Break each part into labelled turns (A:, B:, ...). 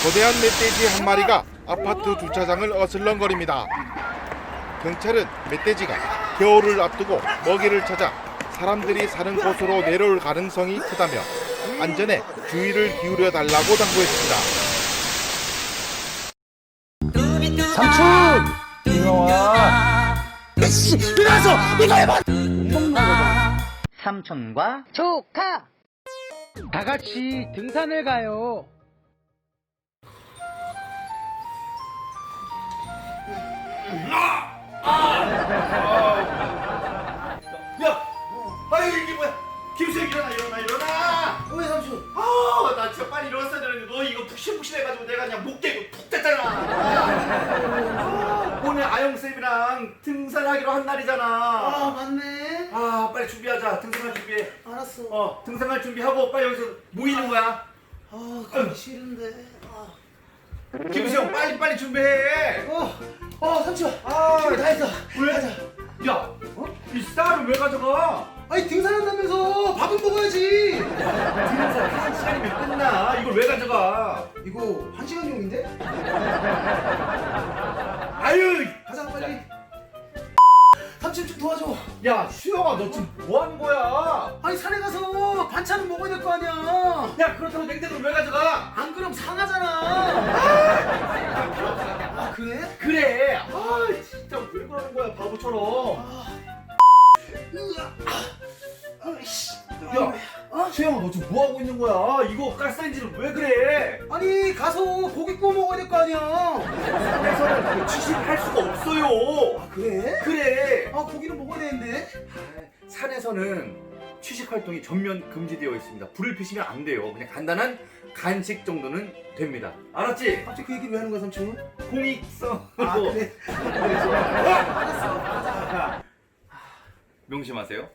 A: 거대한 멧돼지 한 마리가 아파트 주차장을 어슬렁거립니다. 경찰은 멧돼지가 겨울을 앞두고 먹이를 찾아 사람들이 사는 곳으로 내려올 가능성이 크다며 안전에 주의를 기울여 달라고 당부했습니다.
B: 삼촌! 일어나! 씨! 일어나서! 이거 해봐! 못 먹는 거거든. 삼촌과
C: 조카!
B: 다 같이 등산을 가요.
D: 야! 아유 이게 뭐야? 김수혁 일어나!
B: 왜 삼촌?
D: 나 진짜 빨리 일어났어야 되는데 너 이거 푹신푹신해가지고 내가 그냥 목 대고 푹 잤잖아. 오늘 아영쌤이랑 등산하기로 한 날이잖아.
C: 맞네.
D: 빨리 준비하자. 등산할 준비해.
C: 알았어.
D: 등산할 준비하고 빨리 여기서 모이는 거야.
C: 가기 싫은데.
D: 김수혁 빨리 준비해.
C: 삼촌. 준비 다 했어.
D: 왜?
C: 가자.
D: 야, 이 쌀을 왜 가져가?
C: 아니, 등산한다면서 밥은 먹어야지.
D: 등산 1시간이면 끝나. 이걸 왜 가져가?
C: 이거 1시간용인데?
D: 아유,
C: 가자, 빨리. 삼촌 좀 도와줘.
D: 야, 수영아, 너 지금 뭐 하는 거야?
C: 아니, 산에 가서 반찬은 먹어야 될 거 아니야.
D: 야, 그렇다고 냉장고를 왜 가져가?
C: 안 그럼 상하잖아. 그래?
D: 그래. 진짜 왜 그러는 거야, 바보처럼. 야, 수영아, 너 지금 뭐 하고 있는 거야? 이거 가스레인지를 왜 그래?
C: 아니, 가서 고기 구워 먹어야 될 거 아니야.
D: 산에서는 그거 취식할 수가 없어요.
C: 그래?
D: 그래.
C: 고기는 먹어야 되는데.
D: 산에서는 취식 활동이 전면 금지되어 있습니다. 불을 피시면 안 돼요. 그냥 간단한 간식 정도는 됩니다. 알았지?
C: 갑자기 그 얘기를 왜 하는 거야, 삼촌?
D: 공익성으로.
C: 그래. 알았어. 가자.
D: 명심하세요.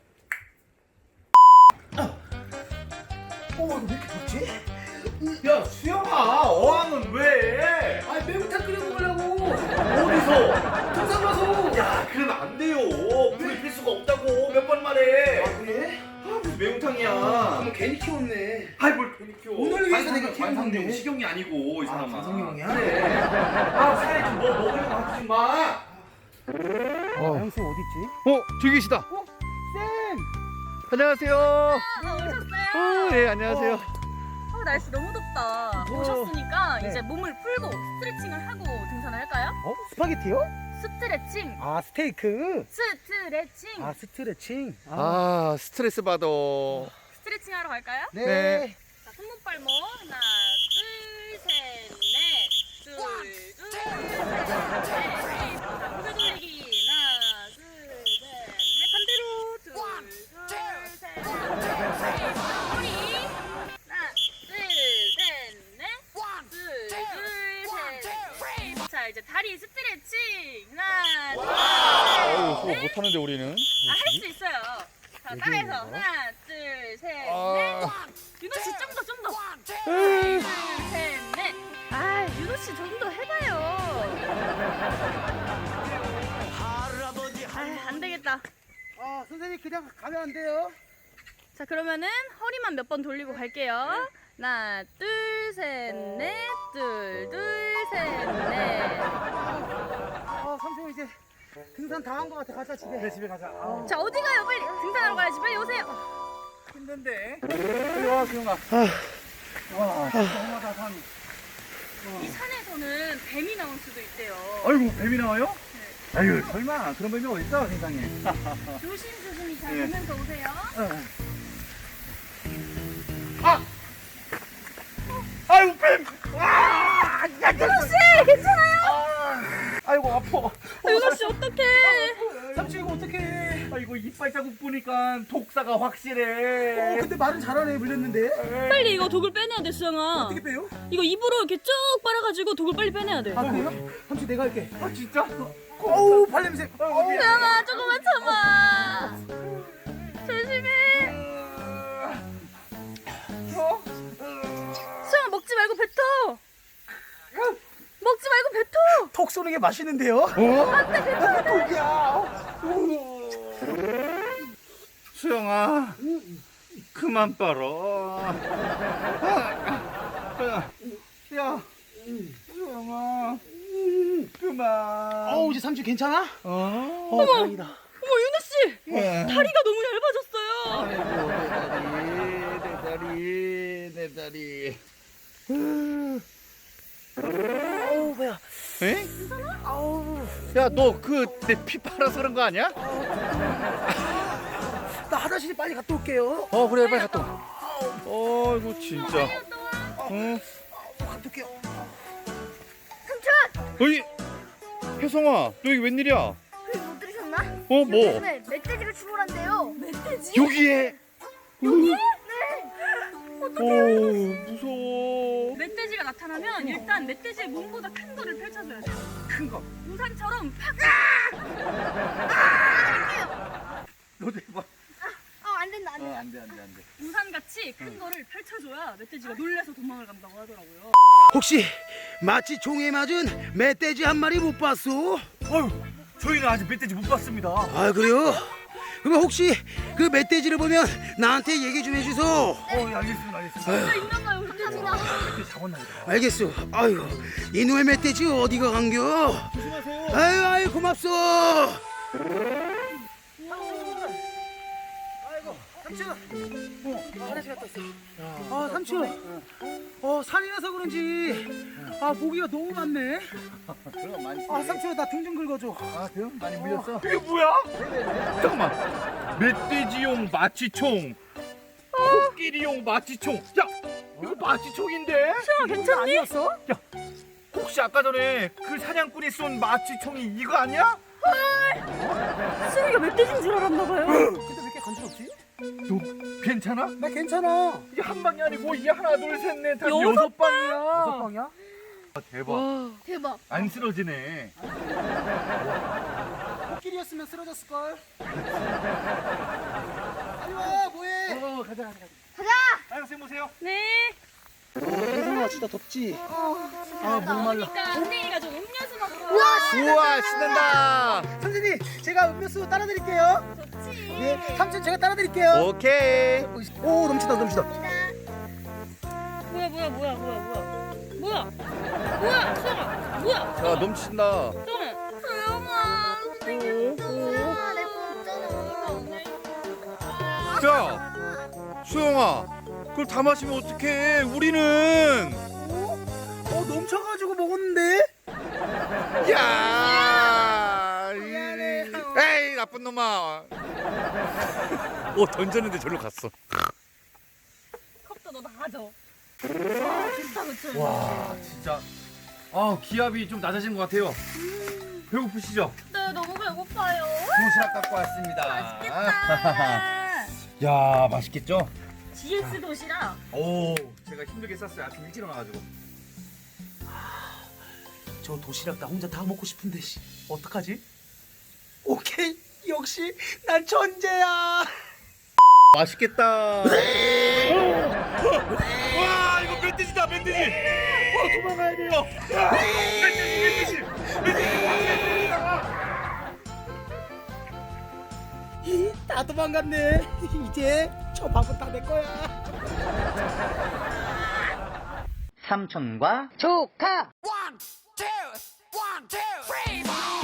C: 이거 왜 이렇게 덥지?
D: 야, 수영아, 어항은 왜?
C: 아니, 매운탕 끓여 먹으려고.
D: 어디서?
C: 등산 가서.
D: 야, 그러면 안 돼요. 불을 필 수가 없다고 몇 번 말해.
C: 그래?
D: 무슨 매운탕이야.
C: 그럼 괜히 키웠네.
D: 아이, 뭘 괜히 키워.
C: 오늘 위해서 내가 키운
D: 관상용
C: 건데.
D: 식용이 아니고 이 사람아.
C: 관상용이야?
D: 그래. 사회 좀 뭐 먹으려고 하지 마.
C: 형수 어딨지?
B: 저기 계시다.
C: 쌤!
B: 안녕하세요.
E: 오셨어요?
B: 네, 안녕하세요.
E: 날씨 너무 덥다. 오셨으니까 이제 몸을 풀고 스트레칭을 하고 등산을 할까요?
C: 스파게티요?
E: 스트레칭.
C: 스테이크.
E: 스트레칭.
C: 스트레칭.
B: 스트레스 받아.
E: 스트레칭 하러 갈까요?
B: 네.
E: 자, 손목발목 하나, 둘, 셋, 넷. 둘, 둘, 셋, 넷. 자, 고개 돌리기 하나, 둘, 셋, 넷. 반대로 둘, 둘, 셋, 넷. 허리 하나, 둘, 셋, 넷. 둘, 둘, 셋, 넷. 자, 이제 다리 스트레칭 하나, 둘, 셋, 넷.
B: 못하는데 우리는.
E: 할 수 있어요. 자, 따라해서 하나, 둘, 셋, 넷. 윤호 씨 좀 더, 좀 더. 둘, 셋, 넷. 윤호 씨 좀 더 해봐요. 안 되겠다.
C: 선생님 그냥 가면 안 돼요?
E: 자, 그러면은 허리만 몇 번 돌리고 갈게요. 하나, 둘, 셋, 넷. 둘, 둘, 셋, 넷.
C: 삼촌 이제 등산 다 한 거 같아. 가자 집에. 네, 집에 가자.
E: 자, 어디 가요? 빨리 등산하러 가야지. 빨리 오세요.
C: 힘든데.
B: 빨리 와, 수영아.
C: 너무하다 산.
E: 이 산에서는 뱀이 나올 수도 있대요.
B: 아이고, 뱀이 나와요?
E: 네.
B: 아유, 설마 그런 뱀이 어딨어, 세상에.
E: 조심조심히 잘
B: 네.
E: 보면서 오세요.
B: 아이고, 뱀!
E: 윤호 씨, 괜찮아요?
B: 아이고, 아파.
E: 윤호 씨 어떡해?
C: 삼촌 이거 어떡해.
D: 아이고, 이빨 자국 보니까 독사가 확실해.
C: 근데 말은 잘하네. 물렸는데.
E: 빨리 이거 독을 빼내야 돼, 수영아.
C: 어떻게 빼요?
E: 이거 입으로 이렇게 쭉 빨아가지고 독을 빨리 빼내야 돼.
C: 그래요? 삼촌 내가 할게.
D: 진짜?
C: 어우 발냄새.
E: 수영아, 조금만 참아. 조심해. 수영아, 먹지 말고 뱉어. 먹지 말고 뱉어.
C: 톡 쏘는 게 맛있는데요?
E: 안돼, 뱉어.
C: 독이야.
D: 수영아, 그만 빨어. 야,
C: 수영아.
B: 그만.
C: 어우, 이제 삼촌 괜찮아?
B: 어?
C: 다행이다.
E: 어머 윤호 씨, 다리가 너무 얇아졌어요.
B: 아이고 내 다리.
C: 어우, 뭐야.
B: 에?
C: 아우,
B: 야 너 그 내 피 빨아서 그런 거 아니야?
C: 나 화장실 빨리 갔다 올게요.
B: 그래 빨리 갔다 와. 이거 진짜.
C: 갔다 올게요.
B: 어이 혜성아 너 여기 웬일이야?
F: 그 못 들으셨나?
B: 뭐?
F: 요즘에 멧돼지가 출몰한대요.
E: 멧돼지?
B: 여기에?
F: 네.
B: 무서워.
E: 멧돼지가 나타나면 일단 멧돼지의 몸보다 큰 거를 펼쳐줘야 돼요.
C: 큰 거.
E: 우산처럼 팍.
B: 너도 해봐.
F: 안 된다, 안 된다.
B: 안 돼.
E: 우산같이 큰 거를 펼쳐줘야 멧돼지가 놀래서 도망을 간다고 하더라고요.
C: 혹시 마치 종에 맞은 멧돼지 한 마리 못 봤어?
D: 저희는 아직 멧돼지 못 봤습니다.
C: 아, 그래요? 그럼 혹시 그 멧돼지를 보면 나한테 얘기 좀 해주소.
D: 알겠습니다.
E: 진짜 있나봐요, 멧돼지가.
C: 알겠어. 아유, 이놈의 멧돼지 어디가 간겨?
D: 조심하세요.
C: 아유, 고맙소. 아이고, 삼촌. 화장실 갔다 왔어. 삼촌. 산이라서 그런지 모기가 너무 많네.
B: 그럼 많지.
C: 삼촌, 나 등 좀 긁어줘.
B: 등 많이 물렸어?
D: 이게 뭐야? 잠깐만. 멧돼지용 마취총. 코끼리용 마취총. 야, 이거 마취총인데?
E: 수영아 괜찮니?
C: 아니었어?
D: 혹시 아까 전에 그 사냥꾼이 쏜 마취총이 이거 아니야?
E: 수영이가 멧돼지인 줄 알았나봐요.
C: 근데 왜 이렇게 간지럽지?
D: 너 괜찮아?
C: 나 괜찮아.
D: 이게 한 방이 아니고 이게 하나 둘 셋 넷 다
E: 여섯
D: 여섯 방이야.
C: 여섯 방이야?
D: 대박.
F: 대박.
D: 안 쓰러지네.
C: 코끼리였으면 쓰러졌을걸. 빨리 와, 뭐해? 가자.
D: 빨간색 보세요.
E: 네.
C: 혜성아, 진짜 덥지? 목말라.
E: 그러니까 선생이가 좀 음료수 먹고.
B: 우와 신난다.
C: 선생님, 제가 음료수 따라 드릴게요.
E: 좋지.
C: 네, 삼촌 제가 따라 드릴게요.
B: 오케이.
C: 오, 넘치다.
E: 뭐야 수영아 뭐야
B: 야 넘친다.
E: 수영아
F: 수영아, 내거 없잖아.
B: 야 수영아 그걸 다 마시면 어떡해? 우리는.
C: 넘쳐가지고 먹었는데?
B: 야.
C: 미안해.
B: 에이 나쁜 놈아. 던졌는데 절로 갔어.
E: 컵도 너 다 가져. 좋다 그쵸.
D: 와, 진짜. 기압이 좀 낮아진 것 같아요. 배고프시죠?
E: 네 너무 배고파요.
D: 도시락 갖고 왔습니다.
E: 맛있겠다.
D: 야, 맛있겠죠?
E: GS 도시락.
D: 오, 제가 힘들게 쌌어요. 아침 일찍 일어나가지고.
C: 저 도시락 나 혼자 다 먹고 싶은데 어떡하지? 오케이, 역시 난 천재야.
B: 맛있겠다.
D: 와, 이거 멧돼지다, 멧돼지. 도망가야 돼요. 멧돼지.
C: 다 도망갔네. 이제 저 밥은 다 내 거야.
G: 삼촌과 조카.
C: One, two, three, four.